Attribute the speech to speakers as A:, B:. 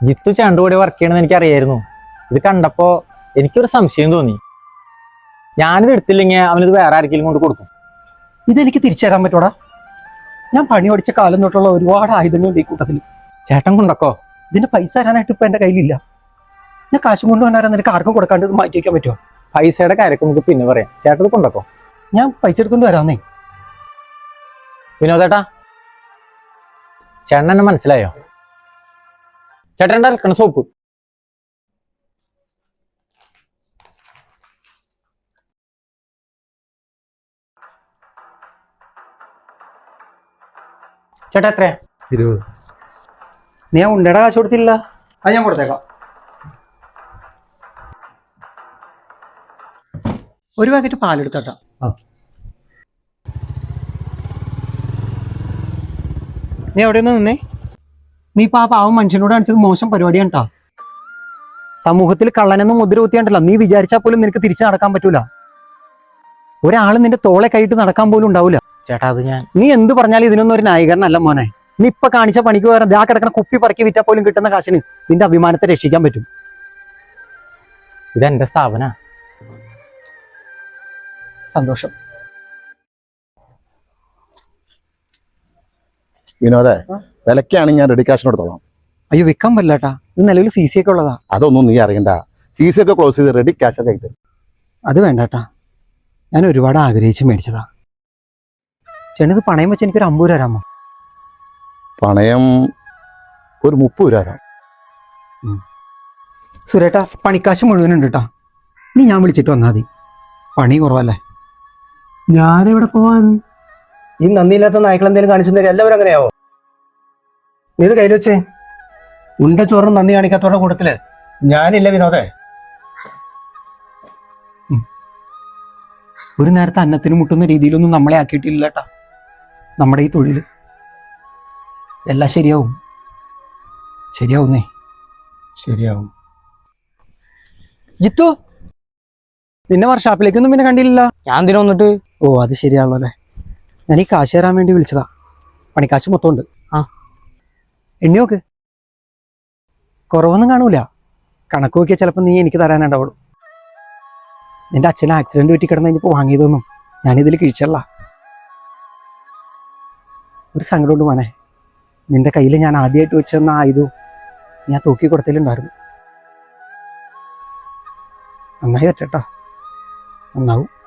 A: ജിത്തു ചേട്ടൻ്റെ കൂടെ വർക്ക് ചെയ്യണമെന്ന് എനിക്കറിയായിരുന്നു. ഇത് കണ്ടപ്പോ എനിക്കൊരു സംശയം തോന്നി. ഞാനിത് എടുത്തില്ലെങ്കിൽ അവനിത് വേറെ ആർക്കെങ്കിലും കൊണ്ട് കൊടുക്കും.
B: ഇതെനിക്ക് തിരിച്ചു തരാൻ പറ്റൂടാ? ഞാൻ പണി പഠിച്ച കാലം തൊട്ടുള്ള ഒരുപാട് ആയുധങ്ങളുണ്ട് ഈ കൂട്ടത്തിൽ.
A: ചേട്ടൻ കൊണ്ടക്കോ.
B: ഇതിന്റെ പൈസ തരാനായിട്ട് ഇപ്പൊ എന്റെ കയ്യിലില്ല. ഞാൻ കാശും കൊണ്ടുവന്നാരാ നിനക്ക് ആർക്കും കൊടുക്കാണ്ട് ഇത് മാറ്റി വയ്ക്കാൻ പറ്റുമോ?
A: പൈസയുടെ കാര്യമൊക്കെ നമുക്ക് പിന്നെ പറയാം. ചേട്ടത് കൊണ്ടക്കോ.
B: ഞാൻ പൈസ എടുത്തോണ്ട് വരാന്നേ.
A: വിനോദേട്ടാ, ചേട്ടൻ എന്നെ മനസ്സിലായോ? ചേട്ടൻ്റെ അലക്കണ സോപ്പ്. ചേട്ടാ എത്രയാ?
B: 20. നീ ആ ഉണ്ടയുടെ കാശ് കൊടുത്തില്ല?
A: അത് ഞാൻ കൊടുത്തേക്കാം.
B: ഒരു പാക്കറ്റ് പാലെടുത്തോട്ടാ. നീ എവിടെ നിന്ന് നിന്നേ? നീ ഇപ്പൊ ആ പാവം മനുഷ്യനോട് കാണിച്ചത് മോശം പരിപാടിയാണ് കേട്ടോ. സമൂഹത്തിൽ കള്ളനെന്ന് മുദ്ര കുത്തിയാണ്ടല്ലോ. നീ വിചാരിച്ചാൽ പോലും നിനക്ക് തിരിച്ചു നടക്കാൻ പറ്റൂല. ഒരാൾ നിന്റെ തോളെ കൈയിട്ട് നടക്കാൻ പോലും ഉണ്ടാവില്ല.
A: ചേട്ടാ അത്
B: നീ എന്ത് പറഞ്ഞാലും ഇതിനൊന്നും ഒരു ന്യായീകരണമല്ല മോനെ. നീ ഇപ്പൊ കാണിച്ച പണിക്ക് വേറെ ദാ കിടക്കുന്ന കുപ്പി പറക്കി വിറ്റാൽ പോലും കിട്ടുന്ന കാശിന് നിന്റെ അഭിമാനത്തെ രക്ഷിക്കാൻ പറ്റും.
A: ഇതെന്റെ സ്ഥാപന.
B: സന്തോഷം.
C: വിനോദേ, വിലക്കാണെങ്കിൽ ഞാൻ റെഡി കാശിന് എടുത്തോളാം.
B: അയ്യോ, വിൽക്കാൻ പറ്റില്ലാട്ടാ. ഇത് നിലവിൽ സി സി ഒക്കെ ഉള്ളതാ.
C: അതൊന്നും നീ അറിയണ്ട. സി സി ഒക്കെ ക്ലോസ് ചെയ്ത് റെഡി ക്യാഷ് ഒക്കെ ആയിട്ട്.
B: അത് വേണ്ടാട്ടാ, ഞാൻ ഒരുപാട് ആഗ്രഹിച്ച് മേടിച്ചതാ. ചേട്ടത് പണയം വെച്ച് എനിക്കൊരു 50 രൂപ തരാമോ?
C: പണയം ഒരു 30 രൂപ തരാം.
B: സുരേട്ടാ, പണിക്കാശ് മുഴുവനുണ്ട് കേട്ടാ. നീ ഞാൻ വിളിച്ചിട്ട് വന്നാൽ മതി. പണി കുറവല്ലേ.
D: ഞാനെവിടെ പോവാൻ? ഈ നന്ദിയില്ലാത്ത നായ്ക്കൾ എന്തെങ്കിലും കാണിച്ചു തരും. എല്ലാവരും അങ്ങനെയാവോ? നീ ഇത് കയ്യിൽ വെച്ചേ. ഉണ്ട ചോറും നന്ദി കാണിക്കാത്തോടെ കൂട്ടത്തില് ഞാനില്ല വിനോദേ.
B: ഒരു നേരത്തെ അന്നത്തിന് മുട്ടുന്ന രീതിയിലൊന്നും നമ്മളെ ആക്കിയിട്ടില്ല കേട്ടാ. നമ്മുടെ ഈ തൊഴില് എല്ലാം ശരിയാവും. ശരിയാവുന്നേ.
D: ശരിയാവും.
B: ജിത്തു, നിന്നെ വർക്ക്ഷോപ്പിലേക്കൊന്നും പിന്നെ കണ്ടില്ല.
A: ഞാൻ എന്തിനാ വന്നിട്ട്?
B: ഓ, അത് ശരിയാണല്ലോ അല്ലേ. ഞാൻ ഈ കാശ് തരാൻ വേണ്ടി വിളിച്ചതാ. പണിക്കാശ് മൊത്തം ഉണ്ട്. എണ്ണി നോക്ക്. കുറവൊന്നും കാണൂല. കണക്ക് നോക്കിയാൽ ചിലപ്പോൾ നീ എനിക്ക് തരാനുണ്ടാവുള്ളൂ. നിന്റെ അച്ഛന് ആക്സിഡന്റ് പറ്റി കിടന്ന് കഴിഞ്ഞപ്പോൾ വാങ്ങിയതൊന്നും ഞാനിതിൽ കിഴിച്ചല്ല. ഒരു സങ്കടമുണ്ട് മോനെ. നിന്റെ കയ്യിൽ ഞാൻ ആദ്യമായിട്ട് വെച്ചെന്ന ആയുധവും ഞാൻ തൂക്കി കൊടുത്തതിലുണ്ടായിരുന്നു. നന്നായി പറ്റട്ടോ. നന്നാവും.